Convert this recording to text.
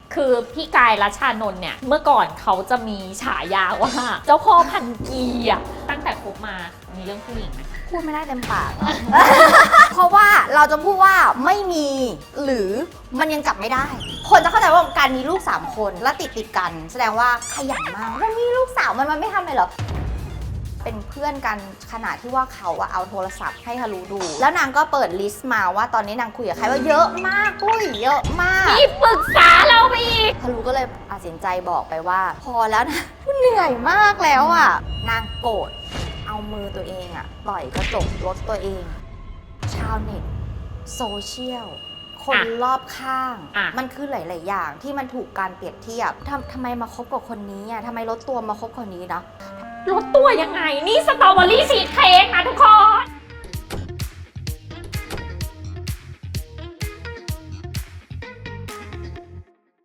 คือพี่กายรัชชานนท์เนี่ยเมื่อก่อนเขาจะมีฉายาว่าเจ้าพ่อพันกีอะตั้งแต่คบมามีเรื่องผู้หญิงไหมพูดไม่ได้เต็มปาก เพราะว่าเราจะพูดว่าไม่มีหรือมันยังจับไม่ได้ คนจะเข้าใจว่าการมีลูก3คนแล้วติดกัน แสดงว่าขยันมากมันมีลูกสาวมันไม่ทำเลยเหรอเป็นเพื่อนกันขนาดที่ว่าเขาเอาโทรศัพท์ให้ฮารุดูแล้วนางก็เปิดลิสต์มาว่าตอนนี้นางคุยกับใครว่าเยอะมากปุ้ยเยอะมากพี่ปรึกษาเราไปอีกฮารุก็เลยตัดสินใจบอกไปว่า พอแล้วนะ เหนื่อยมากแล้วอ่ะนางโกรธเอามือตัวเองอ่ะต่อยกระจกรถตัวเอง ชาวเน็ตโซเชียลคนรอบข้าง มันคือหลาย ๆ อย่างที่มันถูกการเปรียบเทียบทำไมมาคบกับคนนี้อ่ะทำไมลดตัวมาคบคนนี้เนาะลดตัวยังไงนี่สตรอเบอรี่ชีสเค้กนะทุกคน